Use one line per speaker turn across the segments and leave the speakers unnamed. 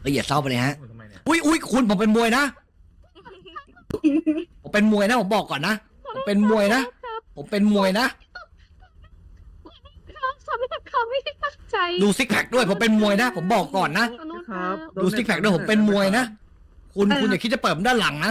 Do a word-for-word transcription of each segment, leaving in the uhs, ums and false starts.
ละเอียดเศร้าไปเลยฮะ
ทำไมเนี่ย
อุ้ยอุ้ยคุณผมเป็นมวยนะ ผมเป็นมวยนะผมบอกก่อนนะ ผมเป็นมวยนะ ผมเป็นมวยนะ
เขาไม่เขาไม่ได้ตั้งใจ
ดูซิกแพคด้วยผมเป็นมวยนะ ผมบอกก่อนนะ
ครับ
ดูซิกแพคด้วยผมเป็นมวยนะ คุณคุณอย่าคิดจะเปิดผมด้านหลังนะ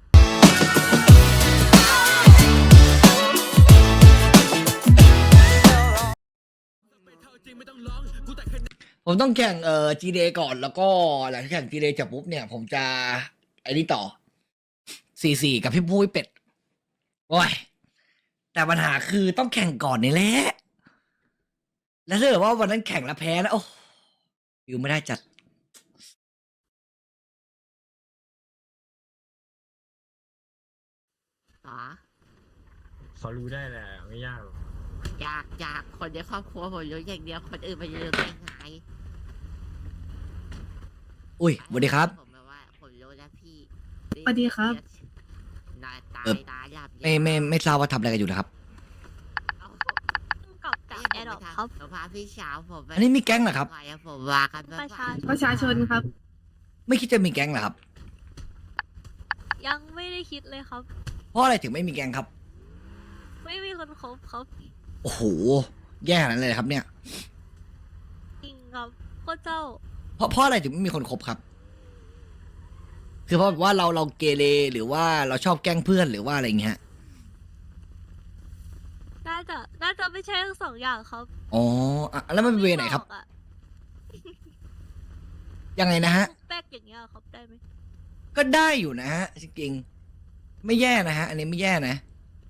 ผมต้องแข่งเอ่อ จี ดี เอ ก่อนแล้วก็หลังจากแข่ง จี ดี เอ จบปุ๊บเนี่ยผมจะไอ้นี่ต่อ สี่สี่ กับพี่ปุ้ยเป็ด โอ้ย แต่ปัญหาคือต้องแข่งก่อนนี่แหละ แล้วถ้าเกิดว่าวันนั้นแข่งแล้วแพ้นะโอ้อยู่ไม่ได้จัด
อ๋อ
เขารู้ได้แหละไม่ยากหรอก
อยากอยากคนในครอบครัวผมรู้อย่างเดียวคนอื่นไปรู้ได้ไง
อุ้ยสวัสดีครับ
ผมแบบว่าผมรู้แล้วพี่
สวัสดีครับ
นายตา
เอ่อ
ยตายยับ
ไม่ไม่ไม่ทราบว่าทำอะไรกันอยู่นะครับ
กลับจากแอร์ดรอปครับ
ผมพาพี่สาวผมไป
อันนี้มีแก๊งเหรอครับ
ไปอะผมว่ากัน
ประชาชน
ประชาชนครับ
ไม่คิดจะมีแก๊งเหรอครับ
ยังไม่ได้คิดเลยครับ
เพราะอะไรถึงไม่มีแก๊งครับ
ไม่มีคนคบครับ
โอ้โห แย่ขนาดนั้นเลยเหรอครับเนี่ย
จริงครับพระเจ้า
เพราะเพราะอะไรถึงไม่มีคนคบครับ คือเพราะว่าเราเราเกเรหรือว่าเราชอบแกล้งเพื่อนหรือว่าอะไรอย่างเงี้ย
น่าจะน่าจะไม่ใช่ทั้งสองอย่างครับ
อ๋ออ่ะแล้วมันเป็นเวไหนครับ
ม่อกอะ
ยังไงนะฮะ
แป๊กอย่างเงี้ยครับได้ไหม
ก็ได้อยู่นะฮะจริงๆไม่แย่นะฮะ อันนี้ไม่แย่นะ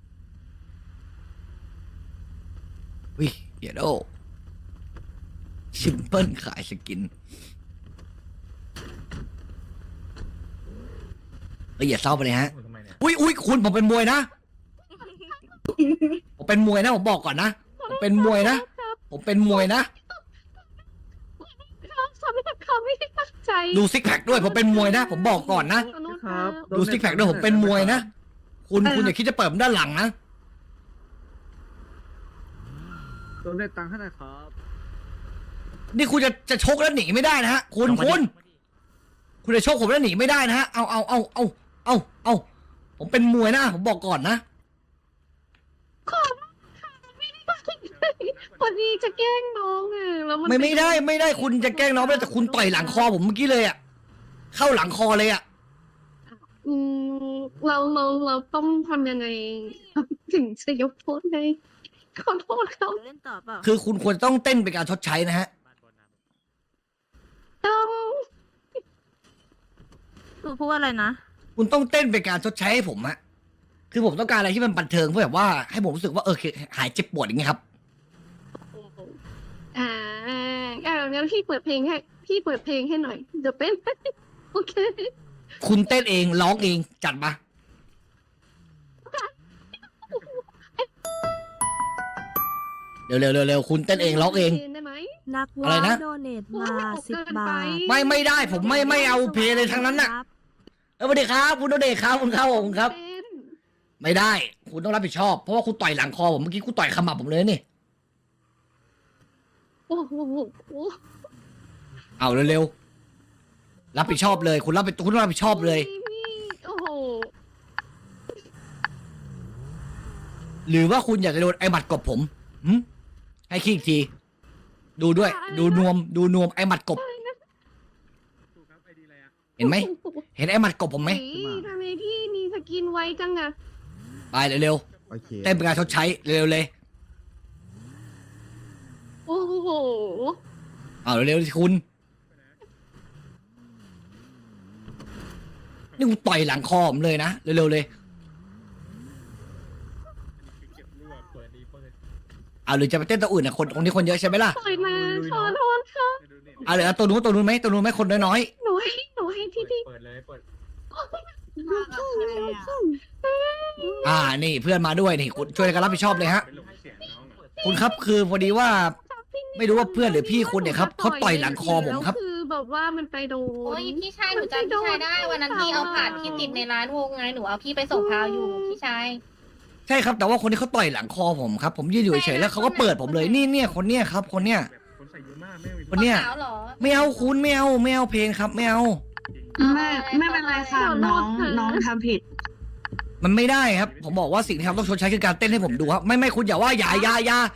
วิเดี๋ยวโดซิมเปิลขายสกินละเอียดเศร้าไปเลยฮะ
ทำไมเนี่ย
อุ้ยอุ้ยคุณผมเป็นมวยนะ ผมเป็นมวยนะผมบอกก่อนนะ ผมเป็นมวยนะ ผมเป็นมวยนะ
เขาไม่เขาไม่ได้ตั้งใจ
ดูซิกแพคด้วยผมเป็นมวยนะ ผมบอกก่อนนะ
ครับ
ดูซิกแพคด้วยผมเป็นมวยนะ คุณคุณอย่าคิดจะเปิดผมด้านหลังนะ
โดนเน็ตตังค์ให้หน่อยครับ
นี่คุณจะจะชกแล้วหนีไม่ได้นะฮะ คุณคุณ คุณจะชกผมแล้วหนีไม่ได้นะฮะ เอาเอาเอาเอาเอาเอาผมเป็นมวยนะ ผมบอกก่อนนะ
พอดีจะแกล้งน้องอ่ะแล้วมัน
ไม่ไม่ได้ไม่ได้คุณจะแกล้งน้องไม่ได้แต่คุณต่อยหลังคอผมเมื่อกี้เลยอะเข้าหลังคอเลยอะ
อืมเราเราเราต้องทำยังไง ถึงจะยกโทษให้ขอโทษเขา
เล่นต่อเปล่า
คือคุณควรต้องเต้นเป็นการชดใช้นะฮะ
ต้อง
หนูพูดว่าอะไรนะ
คุณต้องเต้นเป็นการชดใช้ให้ผมฮะ คือผมต้องการอะไรที่มันบันเทิงเพื่อแบบว่าให้ผมรู้สึกว่าเออหายเจ็บปวดอย่างเงี้ยครับ
อ่าอ่างั้นพี่เปิดเพลงให้พี่เปิดเพลงให้หน่อยเดี๋ยวเป็น โอเค
คุณเต้นเองร้องเองจัดมา เร็วเร็วเร็วเร็วคุณเต้นเองร้องเอง
ได้ไหม
นัก
อะไร
ว่า
นะ
โดเนทมา
โอ้ย
สิบ
เกิน
บา
ไป
ท
ไม่ไม่ได้ผมไม่ไม่เอาเพลย์เลยทั้งนั้นน่ะ
ครับ
เออสวัสดีครับคุณโดเดชครับคุณครับผมครับ
เป็น
ไม่ได้ คุณต้องรับผิดชอบเพราะว่าคุณต่อยหลังคอผมเมื่อกี้คุณต่อยขมับผมเลยนี่
โอ้โห
เอาเร็วๆรับผิดชอบเลย คุณรับคุณต้องรับผิดชอบเลย
นี่โอ้โห
หรือว่าคุณอยากจะโดนไอ้หมัดกบผมหึให้คิดอีกที ดูด้วย ดูนวม ดูนวมไอ้หมัดกบ
ถูกครับไอดีอะไรอ่ะ
เห็นไหม เห็นไอ้หมัดกบผมไหม
นี่ทำไมพี่มีสกินไวจังอะ
ไปเร็ว
โอเค
ๆเต้นเป็นการชดใช้เร็วๆเลย
โอ้โห
เอาเร็วๆสิคุณ นี่คุณต่อยหลังคอผมเลยนะเร็วๆเลย
เก็บรั่วเปิดดีเปิด
เอาหรือจะไปเต้นตัวอื่นนะคนตรงนี้คนเยอะใช่ไหมล่ะ
ปล่อยมาขอโทษค่ะ
เอาเหลือตัวนู้นตัวนู้นไหมตัวนู้นไหมคนน้อย
หนูให้หนูให้พี่พี่
เปิดเลยเปิด
ๆอ่านี่เพื่อนมาด้วยนี่คุณช่วยกันรับผิดชอบเลยฮะ
เป็นลงให้เสียงน้องอะ
คุณครับคือพอดีว่า ไม่รู้ว่าเพื่อนหรือพี่คุณเนี่ยครับเขาต่อยหลังคอผมครับ
แล้วคือแบบว่ามันไปโดน
โอ้ยพี่ชายหนูจำพี่ชายได้ วันนั้นพี่เอาผ่านที่ติดในร้านวงไงหนูเอาพี่ไปส่งพาวอยู่พี่ชาย
ใช่ครับแต่ว่าคนที่เขาต่อยหลังคอผมครับ ผมยืนอยู่เฉยๆแล้วเขาก็เปิดผมเลยนี่เนี่ยคนเนี้ยครับ คนเนี้ย
แบบคนใส่เยอะมาก
ไม่มี
วันเนี้ย
ขาวเหรอ
ไม่เอาคุณไม่เอาไม่เอาเพลงครับไม่เอา
ไม่ไม่เป็นไรค่ะน้องน้องทำผิด
มันไม่ได้ครับ ผมบอกว่าสิ่งที่ทำต้องชดใช้คือการเต้นให้ผมดูครับไม่ไม่คุณอย่าว่าอย่าอย่าอย่า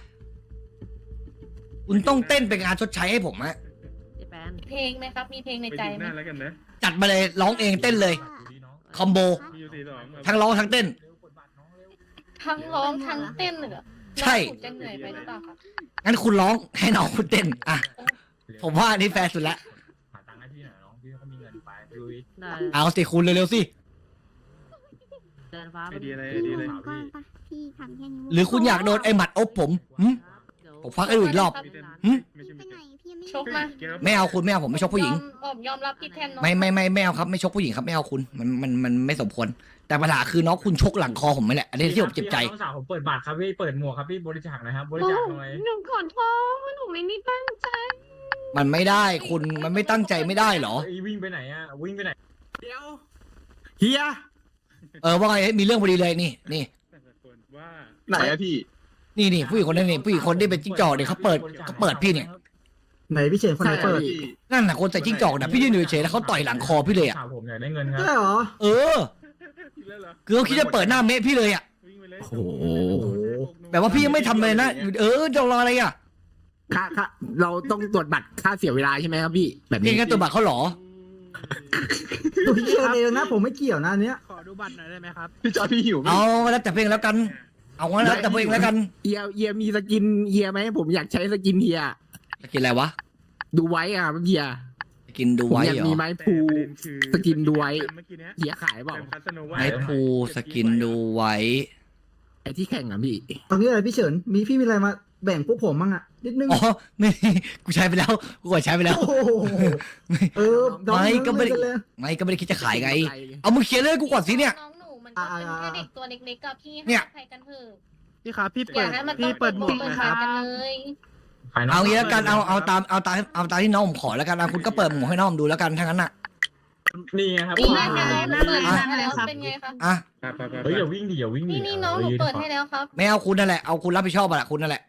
คุณต้องเต้นเป็นงานชดใช้ให้ผมฮะ
เจแปน
เพลงไหมครับ มีเพลงใน
ไป
ใจ
ดู
ไห
ห
ม
น้าแล้วกันนะ
จัดมาเลยร้องเองเต้นเลย
ดูดิน้อง
คอมโบ
มีอยู่สี่สอง
ทั้งร้องทั้งเต้น
เร็วกดบัตรน้องเร็ว
ทั้งร้องทั้งเต้นเลยเหรอ
ใช่
น้องถูกจะเหนื่อยไปหรือเปล่าครับ
งั้นคุณร้องให้น้องคุณเต้นอ่ะผมว่าอันนี้แฟร์สุดละ
หาตังค์ให้พี่หน่อยน้องพี่เขามีเงินไปลุย
ได้
เอาสิคุณเร็วๆสิ
เดินฟ้า
ไอเดียอะไรไอเดียอะไร
พี่
พี่ทำแค่นี้
หรือคุณอยากโดนไอ้หมัดอบผมหึ ผมฟังให้ดูอีกรอบ
มีเต้น
หึ
ไม่ใช่
ไป
ไม่
ไหน
ใช่
พี่ไม่
ชกมา
ไม่เอาคุณไม่เอาผมไม่ชกผู้หญิง
ยอมอมยอมรับผิดแทนน้อง
ไม่ไม่ไม่ไม่เอาครับไม่ชกผู้หญิงครับไม่เอาคุณมันมันมันไม่สมควรแต่ปัญหาคือน้องคุณชกหลังคอผมไม่แหละอันนี้ที่ผมเจ็บใจ
น้องสาวผมเปิดบัตรครับพี่เปิดหมวกครับพี่บริจาคหน่อยครับบริ
โอ้
จาคหน่อย
หนูขอโทษหนูไม่ได้ตั้งใจ
มันไม่ได้คุณมันไม่ตั้งใจไม่ได้เหรอ
ไอ้วิ่งไปไหนอะวิ่งไปไหน
เดี๋ยวเฮีย
เออว่าไงเฮ้ยมีเรื่องพอดีเลยนี่นี่
แต่ละคนว่า
ไหนอะพี่
นี่นี่ผู้หญิงคนนั้นนี่ผู้หญิงคนที่เป็นจิ้งจอกเนี่ยเขาเปิดเขาเปิดพี่เนี่ย
ไหนพี่เฉินคนไหนเปิด
นั่นน่ะคนใส่จิ้งจอกนะพี่ยืนอยู่เฉยๆแล้วเขาต่อยหลังคอพี่เลยอ่ะ
สาวผมอยากได้เงินครับ
ใช่เหรอ
เออ คือเขาคิดจะเปิดหน้าเมะพี่เลยอ่ะ
โอ้โห
แบบว่าพี่ยังไม่ทำเลยนะเออจะรออะไรอ่ะ
ค่าค่าเราต้องตรวจบัตรค่าเสียเวลาใช่ไหมครับพี่ แบบ
พี่
นี้
งั้นตัวบัตรเขาเหรอ
พี่เชิญเองนะผมไม่เกี่ยวนะเนี้ยขอดูบัตรหน่อยได้ไหมครับ
พี่จอยพี่หิวไหม
เอาแล้วแต่เพลงแล้วกัน เอางั้นแล้วแต่เพลงแล้วกัน
เฮียเฮียมีสกินเฮียไหมผมอยากใช้สกินเฮีย
จะกินอะไรวะ
ดูไว้อ่ะเฮีย
จะกินดู
ผม
ไว้
อยาก
เหรอ
มีไม้พูสกินดูไว้
เมื่อกี้เนี้ย
เฮียขายเปล่า
เป็นคัสโนวา
ไม้พูสกินดูไว้
ไอ้ที่แข่งอ่ะพี่
ตอนนี้อะไรพี่เฉินมีพี่มีอะไรมาแบ่งพวกผมบ้างอ่ะนิดนึง
อ๋อไม่กูใช้ไปแล้วกูกดใช้ไปแล้ว
โอ้โหเออ
ไม่ก็ไม่ได้
เลย
ไม่ก็ไม่ได้คิดจะขายไง เอามึงเขียนเลยกูก่อนสิเนี่ย
น้องหนูมันก็เป็นแค่เด็กตัวเล็กๆกับพี่
เนี่ย
ให้อภัยกันเถอะ
พี่ครับพี่
อ
เปิ
ย่า
ด
ให้มันต้
พี่
อง
เปิดหมวก
เปิ
ห
ด
นะค
ขา
รับ
กันเลย
เอางี้แล้วกันเอาเอาตามเอาตามเอาตามที่น้องผมขอแล้วกันนะคุณก็เปิดหมวกให้น้องผมดูแล้วกันทั้งนั้นอ่ะ
นี่ไงครับ
นี่ไงคะน้องเปิด
อ่ะ
ให้แล้วเป็นไงคะ
อ่ะ
เฮ้ยอย่าวิ่งดิอย่าวิ่งดิ
นี่นี่น้องหนูเปิดให้แล้วครับ
ไม่เอาคุณนั่นแหละเอาคุณรับผิดชอบอะแหละคุณนั่นแหละ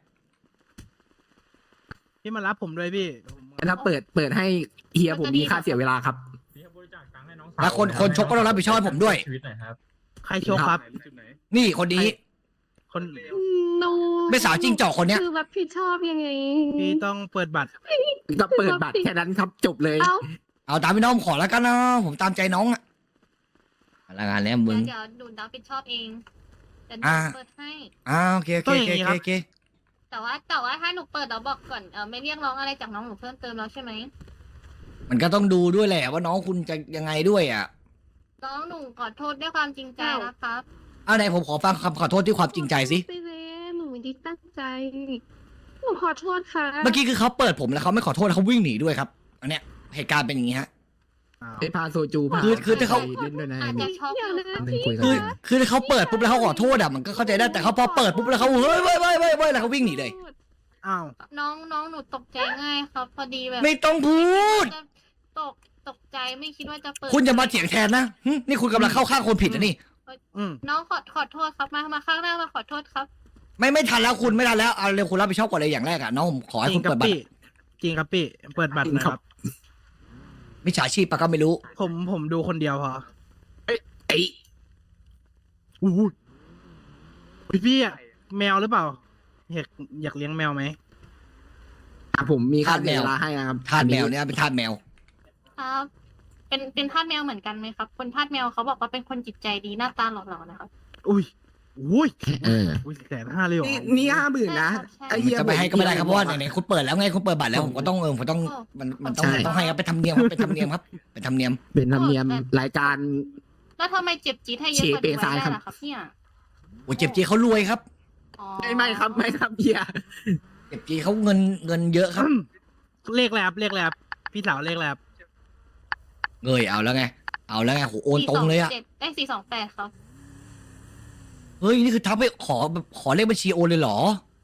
พี่มารับผมด้วยพี่
ถ้าเปิดเปิดให้เฮียผมมีค่าเสียเวลาครับ
พี่บริจาคตังค์ให้น้องสาว
แล้วคนคนชกก็ต้องรับผิดชอบให้ผมด้วย
ชีวิตหน่อยครับ
ใครโชว์ครับ
นี่คนนี้
คน
หนู
ไม่สาวจิ้งจอกคนเนี้ย
คือรับผิดชอบยังไง
พี่ต้องเปิดบัตร
ก็เปิดบัตรแค่นั้นครับจบเลย
เอ้า
เอาตามที่น้องผมขอแล้วกันนะผมตามใจน้องอะละงานแล้วมึง
เดี๋ยวดูรับผิดชอบเองแต่หนู
อ่า
เปิดให้
อ้าวโอเคโอเคโอเคโอเคโอเค
แต่ว่าแต่ว่าถ้าหนูเปิดเราบอกก่อนเออไม่เรียกร้องอะไรจากน้องหนูเพิ่มเติมแล้วใช่ไหม
มันก็ต้องดูด้วยแหละว่าน้องคุณจะยังไงด้วยอ่ะ
น้องหนูขอโทษด้วยความจริงใจนะครับ
เอาไหนผมขอฟังคำขอโทษที่ความจริงใจสิ
ไปเลยหนูไม่ได้ตั้งใจ หนูขอโทษค่ะ
เมื่อกี้คือเขาเปิดผมแล้วเขาไม่ขอโทษแล้วเขาวิ่งหนีด้วยครับ อันเนี้ยเหตุการณ์เป็นอย่างนี้ฮะ
ไอ้พาโซจูพา
คือคือถ้าเขา
เล่นด้วยนะ
อาจจะช็อก
เดี๋ยวนะ
อันหนึ่ง
พี่
คุยกัน
คือคือถ้าเขาเปิดปุ๊บแล้วเขาขอโทษอ่ะมันก็เข้าใจได้แต่เขาพอเปิดปุ๊บแล้วเขาเฮ้ยเว้ยเว้ยเว้ยเว้ยแล้วเขาวิ่งหนีเลย
อ้าว
น้องน้องหนูตกใจง่ายครับ พอดีแบบ
ไม่ต้องพูด
ตกตกใจไม่คิดว่าจะเปิด
คุณจะมาเถียงแทนนะหึนี่คุณกำลังเข้าข้างคนผิดนะนี่
อืม
น้องขอขอโทษครับมามาข้างหน้ามาขอโทษครับ
ไม่ไม่ทันแล้วคุณไม่ทันแล้วเอาเร็วคุณรับผิดชอบก่อนเลยอย่างแรกอ่ะน้องผมขอให้
จริ
คุ
ง
ณ
ครับ
เปิดบัต
พี่
ร
จริงครับพี่เปิดบัตรหนะครับ
มิจฉาชีพปะก็ไม่รู้
ผมผมดูคนเดียวพอ
ไอ้
อู้หูพี่พี่อะแมวหรือเปล่าอยากอยากเลี้ยงแมวไหม
อ่ะผมมีค่าเสียเวลาให้นะครับ
ทาสแมวเนี่ยเป็นทาสแมว
ครับ เป็นเป็นทาสแมวเหมือนกันไหมครับ คนทาสแมวเขาบอกว่าเป็นคนจิตใจดีหน้าตาหล่อๆนะครับ
อุ้ยอุ้ย
เออ
อุ้ยแสนห้าเลยเหรอ
นี่นี่ห้าหมื่นนะ
ใช่
ไอ้เฮีย
จะไปให้ก็ไม่ได้ครับเพราะว่า
ผม
ไหนๆคุณเปิดแล้วไงคุณเปิดบัตรแล้วผมก็ต้องเออผมต้องมันมันต้อง
ใช่
ต้องให้ครับเป็นธรรมเนียมครับเป็นธรรมเนียมครับเป็นธรรมเนียม
เป็นธรรมเนียมรายการ
แล้วทำไมเจ็บจี๊ดให้เยอะกว่า
เชเป
นี้
ซาย
ได้
ครับ
ล่ะครับเนี่ย
โอ้เจ็บจีเขารวยครับ
อ๋อ
ไม่ไม่ครับไม่ครับเฮีย
เจ็บจีเขาเงินเงินเยอะครับ
เลขแลบเลขแลบพี่สาวเลขแลบ
เงยเอาแล้วไงเอาแล้วไงโหโอนตรงเลยอะ
สี่สจ็ดได้สี่สองแปดครับ
เฮ้ยนี่คือทักไปขอแบบขอเลขบัญชีโอนเลยเหรอ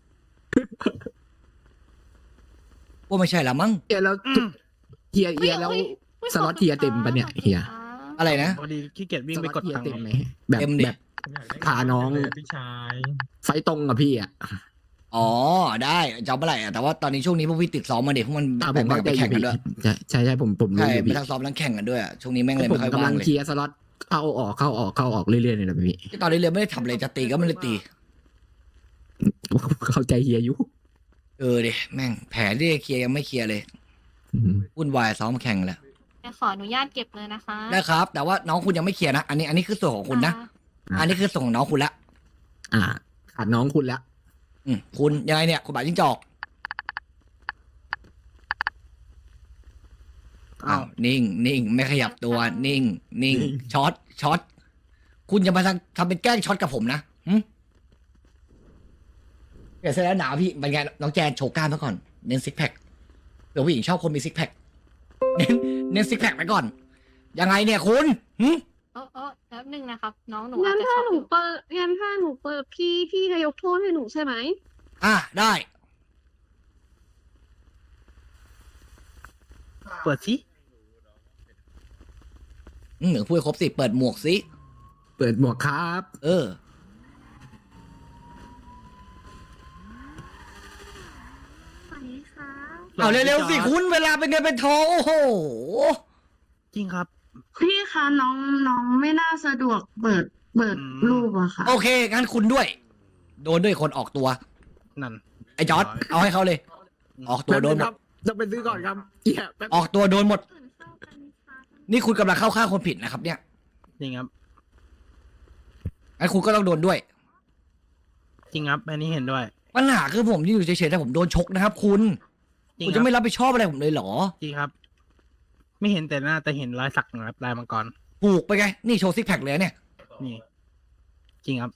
ว่าไม่ใช่ละมั้ง
เฮียแล้วเฮียเฮียแล้ว สล็อตเฮียเต็มปะเนี่ยเฮีย
อะไรนะ
พอดีขี้เกียจวิ่งไปกด
เฮีย
ตังค์
เต็มไหมแบบ
เต็มดิ
แบบ
ผมอยกได้
พาน้อง
พี่ชาย
ไฟตรงกับพี่อ่ะ
ออ๋อได้จะเอาเมื่อไหร่อะแต่ว่าตอนนี้ช่วงนี้พวกพี่ติดซ้อมมาเด็กพวกมัน
อ่าผ
แบ่ง
ม
ๆ
เข้า
ไป
ใจอ
แข่
ยู่
งกัน
พี่
ด้วย
ใช่ใช่ใช่ผมผมรู้
ใช่
อยู่
ไป
พี่
ทั้งซ้อมทั้งแข่งกันด้วยอะช่วงนี้แม่งเลย
ผม
ไม่ค่อย
กำ
ว่า
ลั
ง
ง
เลย
เคลียร์สล็อตเข้าออกเข้าออกเข้าออกเรื่อยๆเลยนะพี่
ที่ตอนนี้เลยไม่ได้ทำอะไรจะตีก็ไม่ได้ตี
เข้าใจเฮียอยู่
เออดิแม่งแผนที่จะเคลียร์ยังไม่เคลียร์เลย
อืม
วุ่นวายซ้อมแข่งแล้ว
จะขออนุญาตเก็บเลยนะคะ
ได้ครับ แต่ว่าน้องคุณยังไม่เคลียร์นะอันนี้อันนี้คือส่วนของคุณนะ
ค่ะ
อันนี้คือส่วนของน้องคุณละ
อ่าขาดน้องคุณแล้ว
อืมคุณยังไงเนี่ยคุณบาจิ้งจอกอ้าวนิ่งนิ่งไม่ขยับตัวนิ่ง นิ่งช็อตช็อตคุณอย่ามาทำทำเป็นแกล้งช็อตกับผมนะหึเดี๋ยวเสร็จแล้วหนาวพี่เป็นไงน้องแจนโชว์กล้ามมาก่อนเน้นซิกแพคเดี๋ยวผู้หญิงชอบคนมีซิกแพคเน้นเน้นซิกแพคไปก่อน ยังไงเนี่ยคุณหึ
โอ้โอ้แป๊บนึงนะครับ น้องหนู
งั้
อาจ
น
จะ
ถ้า
ช็อก
ห
อ
นู
ยู่
เปิดงั้นถ้าหนูเปิดพี่พี่จะยกโทษให้หนูใช่ไหม
อ่ะได้
เปิดสิ
อืมเหมือนพูดให้ครบสิเปิดหมวกสิ
เปิดหมวกครับ
เออ
สวัสดีค่ะ
เอาเร็วๆสิคุณเวลาเป็นเงินเป็นทองโอ้โห
จริงครับ
พี่คะน้องน้องไม่น่าสะดวกเปิดเปิด
อืม
รูปอะค่ะ
โอเคงั้นคุณด้วย โดนด้วยคนออกตัว
นั่น
ไอ้จอร์ดเอาให้เขาเลย ออกตัวโดนหม
ครั
ด
บต้องไปซื้อก่อนครับเฮียแป๊บ
ออกตัวโดนหมด นี่คุณกำลังเข้าข้างคนผิดนะครับ เนี่ย
จริงครับ
งั้นคุณก็ต้องโดนด้วย
จริงครับอันนี้เห็นด้วย
ปัญหาคือผมที่อยู่เฉยๆแต่ผมโดนชกนะครับ คุณ
จริง
คุณ
ค
จะ
รับ
ไม่รับผิดชอบอะไรผมเลยเหรอ
จริงครับ ไม่เห็นแต่หน้าแต่เห็นรอยสักนะครับลายมังกร
ผูกไปไง นี่โชว์ซิกแพคเลยเนี่ย
นี่ จริงครับ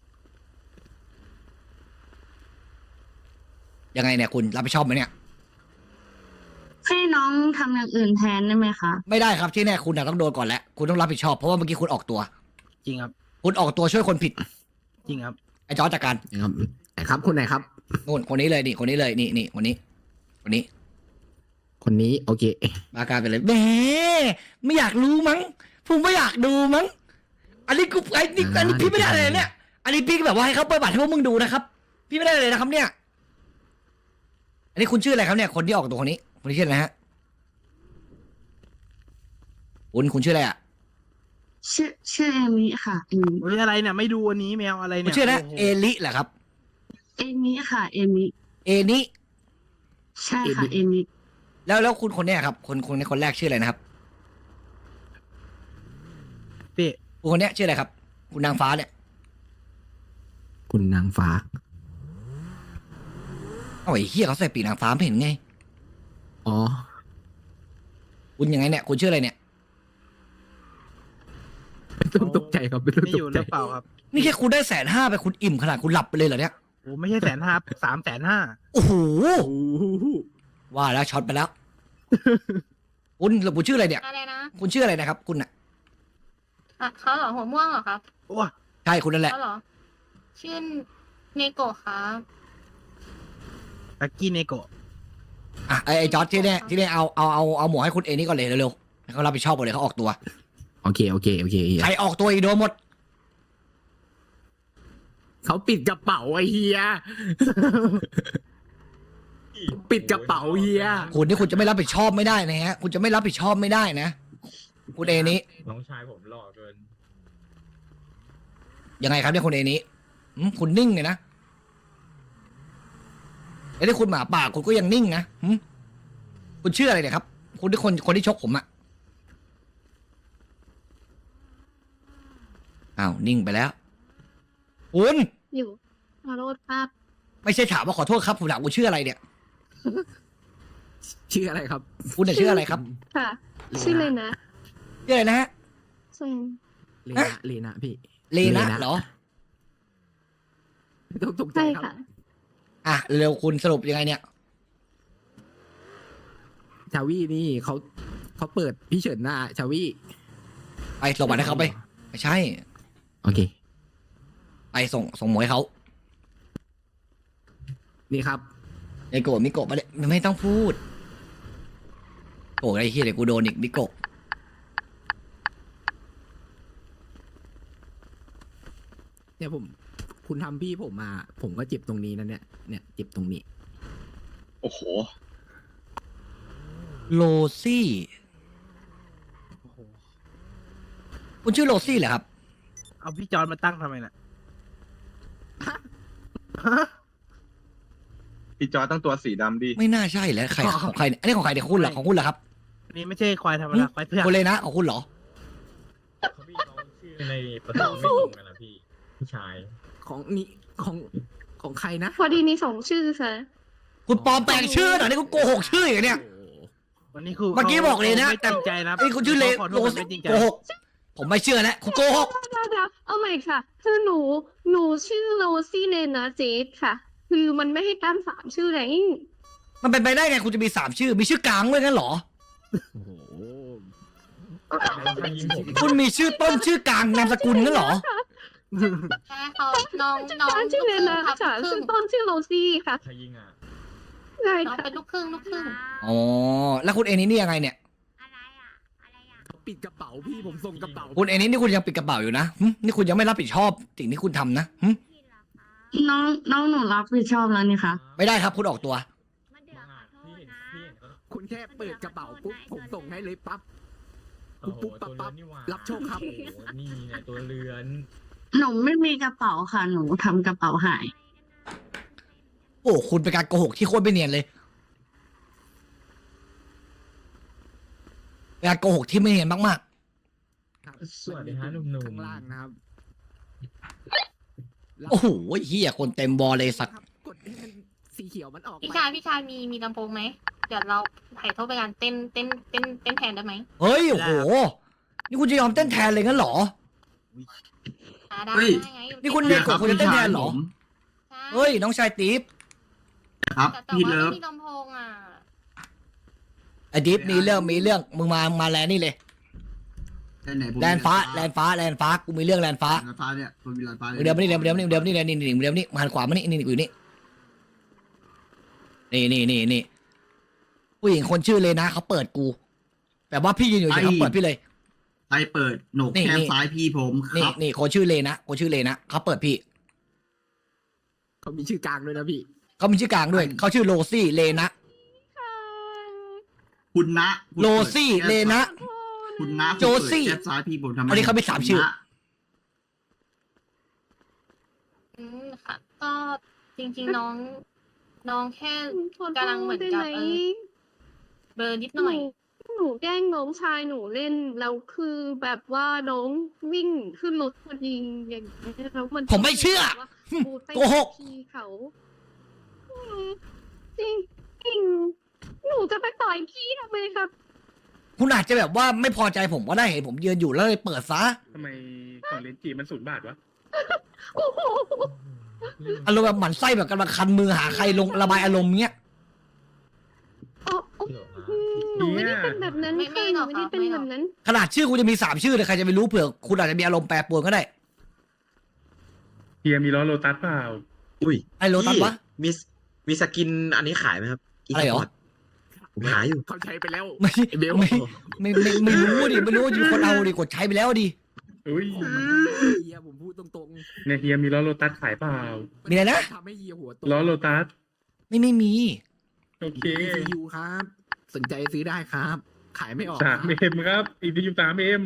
ยังไงเนี่ยคุณรับผิดชอบไหมเนี่ย
ให้น้องทำอย่างอื่นแทนได้ไหมคะ
ไม่ได้ครับที่แน่คุณน่ะต้องโดนก่อนแล้วคุณต้องรับผิดชอบเพราะว่าเมื่อกี้คุณออกตัว
จริงครับ
คุณออกตัวช่วยคนผิด
จริงครับ
ไอ้จอร์จจัดการ
นะครับไหนครับคนไหนครับ
นู่นคนนี้เลยนี่คนนี้เลยนี่นี่คนนี้ คนนี้
คนนี้โอเค
มากลารไปเลยแหมไม่อยากรู้มั้งผมไม่อยากดูมั้งอันนี้กูไอ้นี่อันนี้พี่ไม่ได้เลยเนี่ย อันนี้พี่ก็แบบว่าให้เขาเปิดบัตรให้พวกมึงดูนะครับ พี่ไม่ได้เลยนะครับ เนี่ย อันนี้คุณชื่ออะไรครับเนี่ย คนที่ออกตัวคนนี้คนนี้ชื่ออะไรฮะคุณคุณชื่ออะไรอ่ะ
ชื่อชื่อเอมิค่ะเอมิ
เฮ้ยอะไรเนี่ยไม่ดูอันนี้แมวอะไร
คุ
เนี่
ณ
ย
ชื่ออะไรนะ
โโห
เอลิเหรอครับ
เอมิค่ะ เอมิ
เอนิ
ใช่ค่ะ เอมิ
แล้วแล้วคุณคนเนี้ยครับ คนคนในคนแรกชื่ออะไรนะครับ
พี่
คุณคนเนี้ยชื่ออะไรครับ คุณนางฟ้าเนี่ย
คุณนางฟ้า
เอ้าไอ้เฮียเขาใส่ปีกนางฟ้าไม่เห็นไง
อ๋อ
คุณยังไงเนี่ยคุณชื่ออะไรเนี่ย
ไม่ต้องตกใจครับไม่ต้อง
ไม่
ต
อยู่
ก
ห
ใจ
รือเปล่าครับ
นี่แค่คุณได้แสนห้าไปคุณอิ่มขนาดคุณหลับไปเลยเหรอเนี่ย
โอ้ไม่ใช่แสนห้าสามแสนห้า
โอ้โห
โอ้โห
ว่าแล้วช็อตไปแล้ว คุณหรือคุณชื่ออะไรเนี่ย
อะไรนะ
คุณชื่ออะไรนะครับ คุณน่ะ
อ่ะเขาเหรอหัวม่วงเหรอครับ
โอ้
ใช่คุณนั่นแหละ
เขาเหรอ ชื่อเนโกะครับ
ลักกี้เนโกะ
อ่ะไอ้ไอ้จอร์ดที่เนี่ยที่เนี่ยเอาเอาเอาเอาหมวกให้คุณเอนี่ก่อนเลยเร็วๆให้เขารับผิดชอบหมดเลยเขาออกตัว
โอเคโอเคโอเคเฮีย
ใครออกตัวอีกโดนหมด
เขาปิดกระเป๋าไอ้เฮีย ปิดกระเป๋าเฮีย
คุณนี่คุณจะไม่รับผิดชอบไม่ได้นะฮะ คุณจะไม่รับผิดชอบไม่ได้นะ คุณเอนี้
น้องชายผมหล่อเกิน
ยังไงครับเนี่ยคุณเอนี้หืมคุณนิ่งเลยนะแล้วที่คุณหมาป่าคุณก็ยังนิ่งนะหืมคุณชื่ออะไรเนี่ยครับ คุณที่คนคนที่ชกผมอะอ้าวนิ่งไปแล้ว คุณ
อยู่ขอโทษครับ
ไม่ใช่ถามว่าขอโทษครับผมถามคุณชื่ออะไรเนี่ย
ชื่ออะไรครับ
คุณเนี่ยชื่ออะไรครับ
ค่ะ ชื่อเลยนะ
ชื่ออะไรนะฮะ
ส่วน
เลนะเลนะพี่
เลนะเหรอ
ไม่ต้องตกใจ
ใช่
ครับ
ค่ะ
อ่ะเร็วคุณสรุปยังไงเนี่ย
ชาวี่นี่เขาเขาเปิดพี่เฉินหน้าชาวี่
ไปส่งบัตรให้เขาไปไม่ใช่
โอเค
ไปส่งส่งหมวยเขา
นี่ครับ
ไอโกะมิโกะมาเลยไม่ต้องพูดโกะไอ้เหี้ยเดี๋ยวกูโดนอีกมิโกะ
เนี่ยผมคุณทำพี่ผมมา ผมก็เจ็บตรงนี้นะเนี่ยเนี่ยเจ็บตรงนี้
โอ้โห
โรซี่
โอ้โห
คุณชื่อโรซี่เหรอครับ
เอาพี่จอนมาตั้งทำไมน่ะ
พี่จอตั้งตัวสีดำดิ
ไม่น่าใช่แล้วใครของใครเนี่ยอันนี้ของใครเดี๋ยวคุณเหรอของคุณเหรอครับ
อันนี้ไม่ใช่ควายธรรมดาควายเผือก
คุณเลยนะของคุณเหรอ
เขาพี่น้องชื่อในประตูไม่ตรงกันนะพี่พี่ชาย
ของนี่ของของใครนะ
พอดีมีสองชื่อค่ะ
คุณปลอมแปลงชื่อเหรอนี่คุณโกหกชื่ออย่างเนี้ย
โอ้โห
วันนี้คือ
เมื่อกี้บอกเลยนะ
ไม่ตั้งใจนะ
ไอ้ยคุณชื่อเล
ขอโท
โร
ษ
ซี่
ไม่จริงใจ
โกหกผมไม่เชื่อแล้วคุณโกหก
เดี๋ยวเดี๋ยวเอาใหม่ค่ะ คือหนู หนูชื่อโรซี่เนนะเจสค่ะ คือมันไม่ให้ตั้งสามชื่อไง
มันเป็นไปได้ไงคุณจะมีสามชื่อ มีชื่อกลางด้วยงั้นเหรอ
โอ้โห
น้องชายยิงผม
คุณมีชื่อต้นชื่อกลางนามสกุลงั้นเหรอ
ใช่เขาน้องน้อง
ชื่อเนนะ
ลูกค
ค่ะ
รึ่
ชื่อง ต้นชื่อโรซี่ค่ะ
ชายยิงอ่ะ
ใช่
น้อง
ค่ะ
เป็นลูกครึ่งลูกครึ่ง
อ๋อ แล้วคุณเอนี่นี่ยังไงเนี่ย
อะไรอ่ะ อะไรอ่ะ
ปิดกระเป๋าพี่ผมส่งกระเป๋า
คุณเอนี่นี่คุณยังปิดกระเป๋าอยู่นะหึนี่คุณยังไม่รับผิดชอบสิ่งที่คุณทำนะหึ
ผิดเหรอคะ
น้องน้องหนูรับผิดชอบแล้วนี่คะ
ไม่ได้ครับคุณออกตัว
มันเดือดขอโท
พี่
ษ
เห็น
นะ
พี่เห็นเขา
คุณแค่เปิดกระเป๋าปุ๊บผมส่งให้เลยปั๊บ
โอ้โห
ปุ๊บปั๊
ตัว
บปั๊บ
เรือนนี่หว่า
รับโชคครับ
โอ้โหนี่ไงตัวเรือน
หนูไม่มีกระเป๋าค่ะ หนูทำกระเป๋าหาย
โอ้คุณเป็นการโกหกที่โคตรไม่เนียนเลยเป็นการโกหกที่ไม่เนียนมาก
ครับ
สวัสดีฮะหนุ่มๆ
ข้างล่างนะครับ
ๆ โอ้โหเฮียคนเต็มบอลเลยสัตว์
ครับกดให้มันสีเขียวมันออก
พี่
ไป
ชายพี่ชายมีมีลำโพงไหมเดี๋ยวเราถ่ายโทษไปการเต้นเต้นเต้นเต้นแทนได้ไหม
เฮ้ยโอ้โห นี่คุณจะยอมเต้นแทนเลยงั้นเหรอ
อ่าได้
เฮ้ย
ได้ไง
นี่คุณเรียก คุณจะเต้นแทนเหรอ
ใช่
เฮ้ยน้องชายติ๊บ
ครับ
แต่แต่
พี่
ว่า
เลิฟ
ไม่มีลำโพงอ่ะ
ไอ้ติ๊บมีเรื่องมีเรื่องมึงมามาแลนนี่เลย
ไหนผม
แลนฟ้าแลนฟ้าแลนฟ้ากูมีเรื่องแลนฟ้า
แลนฟ้าเนี่ยผมมีแลนฟ้า
เดี๋ยวมานี่เดี๋ยวเดี๋ยวนี่เดี๋ยวนี่เดี๋ยวนี่นี่เดี๋ยวนี่มาหันขวามานี่นี่นี่อยู่นี่นี่นี่นี่นี่ผู้หญิงคนชื่อเลยนะเขาเปิดกูแบบว่าพี่ยืนอยู่เฉยเขาเปิดพี่เลย
ไปเปิดโหนก
นี่
แก้
นี่
มซ้ายพี่ผมค
นี่
รับ
นี่คนชื่อเลยนะคนชื่อเลยนะเขาเปิดพี่
เขามีชื่อกลางด้วยนะพี่
เขามีชื่อกลางด้วยเขาชื่อโรซี่เลนะ
คุณนะคุณ
โร
ปิด
ซี่
แก้ม
เลนะ
คุณนะ
โจซี่
คุณเปิดแก้มซ้ายพี่ผมทำไม
อันนี้เขามีสามชื่อ
คุณนะ
อืมค่ะ ก็จริงๆน้อง น้องแค่
ขอโทษ
กำลังเหมือนกับ
ได้ไหม
เออ เบลอนิดหน่อย
หนูแกล้งน้องชายหนูเล่นแล้วคือแบบว่าน้องวิ่งขึ้นรถพอดีอย่างนี้ยแล้วมัน
ผมไม่เชื่อ
พูดไป
โกหก
ทีเขาอืมจริงจริงหนูจะไปต่อยพี่ทำไมครับ
คุณอาจจะแบบว่าไม่พอใจผมก็ได้เห็นผมยืนอยู่แล้วเลยเปิดซะ
ทำไมของเลนจีมันศูนย์บาทวะ
โอ้โห
อารมณ์แบบหมั่นไส้แบบกำลังคันมือหาใครลงระบายอารมณ์เงี้ย
อ๋ออ๋ออืมหนูไม่ได้เป็นแบบนั้น
ไม่ไม่
ค่ะห
หร
นู
อก
ไม่ได้
ครับ
เป็น
ไม่หร
แบ
อก
บนั้น
ขนาดชื่อคุณจะมีสามชื่อเลยใครจะไปรู้เผื่อคุณอาจจะมีอารมณ์แปรปรวนก็ได้
เฮียมีล้อโลตัสเปล่า
อุ้ย
ไอ้โรตัสวะ
มีมีสกินอันนี้ขายไหมครับ
อะไรเหรอ
Esport ผมหาอยู่
เขาใช้ไปแล้ว
ไม่
ไอ้เบล
ไม่ไม่ไม่ไม่รู้ดิไม่รู้ว่าจะมีคนเอาดิกดใช้ไปแล้วดิ
อุ้ย
ผมมันเฮียผมพูดตรง
เนี่ยเฮียมีล้อโลตัสขายเปล่า
ๆ
มีอะไรนะ
ทำให้เฮียหัวโต
ล้อโลตัส
ไม่ไม่มี
โอเค
อี ซี ยู ครับ สนใจซื้อได้ครับ ขายไม่ออก
สามเอ็มครับ อีพียูสามเอ็ม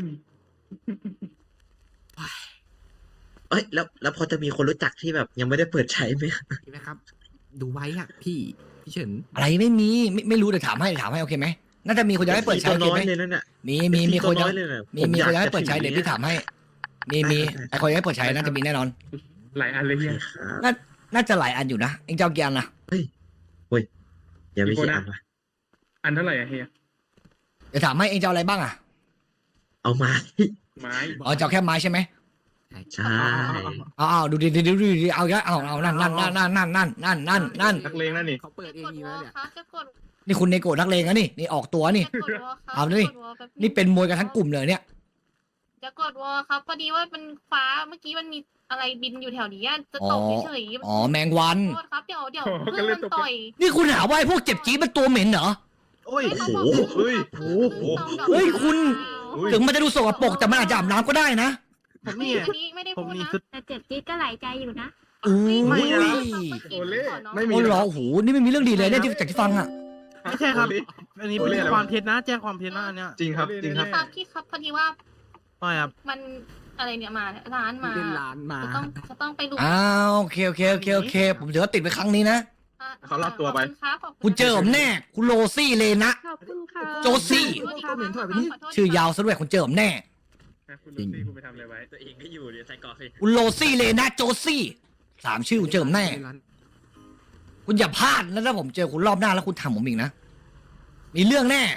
เอ้ยแล้วแล้วพอจะมีคนรู้จักที่แบบยังไม่ได้เปิดใช้ไหม
นะครับ ดูไว้อะพี่ พี่เฉิน
อะไรไม่มีไม่ไม่รู้เดี๋ยวถามให้ถามให้โอเคไหมน่าจะมีคนจะให้เปิดใช้
ตัว
โอเค
น้อย
ไหม
เลยนั่นน่ะ
มีมีมีคน
ตัว
จะ
น้อยเลยน่ะ
มี
ผ
มี
อยา
ค
ก
นจะให้
จะ
เปิดใช้
ถึง
เดี๋ยวพี่
นี้
ถามให้ มีมีไอคนจะให้เปิดใช้น่าจะมีแน่นอน
หลายอันเลยเฮีย
ครับ
น่าน่าจะหลายอันอยู่นะเองเจ้ากี่อันนะ
ยังไม่
กี่คน
กี่
นะ
อันวะ
อันเท่าไหร่อะเฮีย
เดี๋ยวถามให้เองเจ้าอะไรบ้างอ่ะ
เอามา
ไม้
อ๋อเจ้าแค่ไม้ใช่ไหม
ใช่
เอาเอาดูดิดูดิดูดิเอาเยอะเอาเอานั่นนั่นนั่นนั่นนั่นนั่นนั่นนั่น
นักเลงนั่นนี่
เขาเปิดเอ
จะ
ง
กด
อยู่
วอ
แล้ว
ล
เนี่ย
ครับจะกด
นี่คุณเนโกะนักเลงนะนี่นี่ออกตัวนี่
จะกดวอลครับ
เอาดิ
จะกดวอลแป๊บง
นี่เป็นมวยกันทั้งกลุ่มเลยเนี่ย
จะกดวอลครับพอดีว่ามันฟ้าเมื่อกี้มันมีอะไรบินอยู่แถวนี้อะจะตกเฉยๆ
อ๋อแมงวัน
โทษครับเดี๋ยวเดี๋ยว
โอ้โห
เพื่อนมันต่อย
นี่คุณหาว่าไอ้พวกเจ็บจี๊ดเป็นตัวเหม็นเหรอ
โอ้ย
ไม่
โอ้
เขา
โห
บอก
เฮ้ย
โอ้โห
เฮ้ยคุณ
เฮ้ย
ถึงมันจะดูสกปรกแต่มันอาจจะอาบน้ำก็ได้นะ
ผม
ไม่
นี่
อันนี้ไม่ได้
ผ
พู
ม
ด
นี่
นะ
คือ
แต่เจ็บจี๊ดก็หลายใจอยู่นะ
อุ้ย
ไม่อะ
โอเล่
ไม่มี
โอ้เหรอโอ้โหนี่ไม่มีเรื่องดีเลยเนี่ยที่จากที่ฟังอ่ะ
ไม่ใช่ครับ
โอเล่
อันนี้
โอเล่
เป็น
อะไรวะ
ความเท็จนะแจ้งความเท็จนะอันเนี้ย
จริงครับจริงครับ
ครับพี่ครับพอดีว่า
ไม่ครับ
มันอะไรเนี่ยมาเนี่ยร้านมา
เล่นร้านมา
จะต้องจะต้องไปดู
อ้าวโอเคโอเคโอเคโอเค ผมถือว่าติดไปครั้งนี้นะ
อ่ะ
เขารับตัวไป
ขอบคุณครับขอบ
คุณเจอผมแน่ คุณโรซี่เลนะ
ขอบคุณค่ะ
โจซี่
ขอโทษครับ
เหม็นถอยไปนี่
ขโทษ
ชื่อยาวซะด้วยคุณเจอผมแน่
คุณลูซี่คุณไปทำอะไรไว้
ตัวเองก็อยู่เดี๋ยวใส่กรอกเลย
คุณโรซี่เลนะโจซี่สามชื่อคุณเจอผมแน่ คุณอย่าพลาดนะถ้าผมเจอคุณรอบหน้าแล้วคุณทำผมอีกนะ มีเรื่องแน่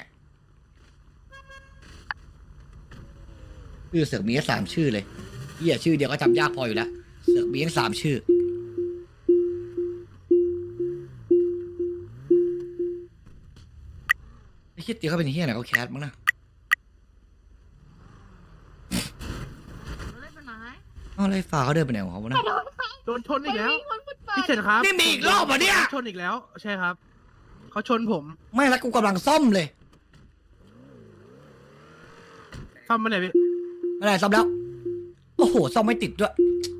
ชื่อเสือกมีแค่สามชื่อเลยเหี้ยชื่อเดียวก็จำยากพออยู่แล้วเสือกมีแค่สามชื่อไอ้คิดเดียวเขาเป็นเฮียไหนเขาแคสมั้งนะ
เล่นไปไหน
อ้าวแล้วไอ้ฟ้าเขาเดินไปไหนของเขาวะนะ
โดนชนอีกแล้ว
ไม่มีคนพูดไป
พี่เฉินครับ
นี่มีอีกรอบเหรอเนี่ย
ขาชนอีกแล้ว ใช่ครับเขาชนผม
ไม่แล้วกูกำลังซ่อมเลย
ซ่อมมาไหนพี่
ไม่ได้ซ่อมแล้ว โอ้โหซ่อมไม่ติดด้วย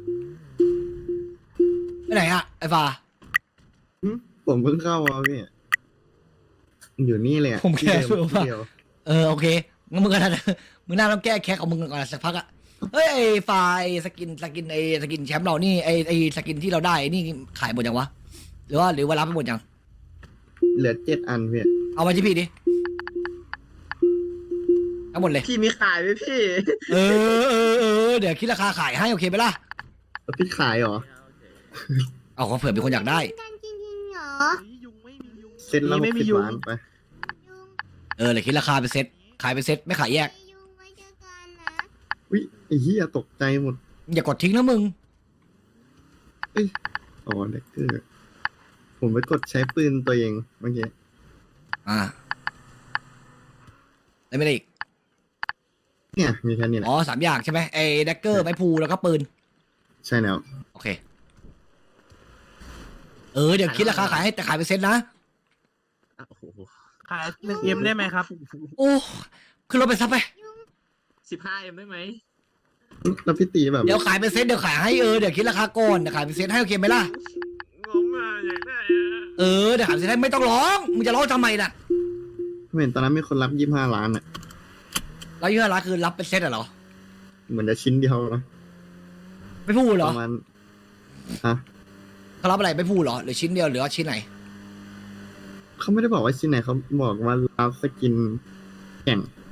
ไปไหนอะไอ้ฟ้า
ผมเพิ่งเข้ามาพี่อยู่นี่เลยอะ
ผมแค่
ที่เดิ
รู้ว่า
ที่เดียว
เออโอเคงั้นมึงก็น่ามึงน่าต้องแก้แค้นของมึงก่อนสักพักอะเฮ้ยไอ้ไฟล์สกินสกินไอ้สกินแชมป์เรานี่ไอ้ไอ้สกินที่เราได้ไอ้นี่ขายหมดยังวะหรือว่าหรือว่ารับไปหมดยัง
เหลือเจ็ดอันพี่
เอามาที่พี่ดิเอาหมดเลย
พี่มีขายไหมพี่
เออเออเออเดี๋ยวคิดราคาขายให้โอเคไหมล่ะ
แล้วพี่ขายเหรอ
เอาขอเผื่อมีคนอยากได้
กันจริงๆเหรอ
ยุงไม่มียุง
เซ็ตละห
ไม่
ก
มี
สิบ
ยุง
ล้านไป
เออเดี๋ยวคิดราคาเป็นเซ็ตขายเป็นเซ็ตไม่ขายแยก
ยุงไว้เจอกันนะ
อุ้ยไอ้เหี้ยตกใจหมด
อย่ากดทิ้งนะมึง
อ๋อเด็กเกอร์ผมไปกดใช้ปืนตัวเองเมื่อกี้
อ่าได้ไม่ได้อีก
เนี่ยมีแค่นี้แหละ
อ๋อสามอย่างใช่ไหมไอ้แดกเกอร์ไม้พลูแล้วก็ปืน
ใช่แล้ว
โอเค เออเดี๋ยวคิดราคาขายให้แต่ขายเป็นเซ็ตนะ
โอ้โห
ขายหนึ่งเอ็มได้ไหมครับ
โอ้ขึ้นรถไปซับไป
สิบห้าเอ็มได้ไหม
แล้วพี่ตีแบบ
เดี๋ยวขายเป็นเซ็ตเดี๋ยวขายให้เออเดี๋ยวคิดราคาก่อนเดี๋ยวขายเป็นเซ็ตให้โอเคไหมล่ะ
งงอ่ะอยากได้อะ
เออเดี๋ยวขายเป็นเซ็ตให้ไม่ต้องร้องมึงจะร้องทำไมล่ะ
เห็นตอนนั้นมีคนรับยี่ห้าล้านอ่ะ
แล้วยี่ห้อร้านคือรับเป็นเซ็ตอะเหรอ
เหมือนจะชิ้นเดียวนะ
ไม่พูดเหร
ป
อ
ระมาณฮะ
เขารับอะไรไม่พูดเหรอหรือชิ้นเดียวหรือว่าชิ้นไหน
เขาไม่ได้บอกว่าชิ้นไหนเขาบอกว่ารับสกินแข่ง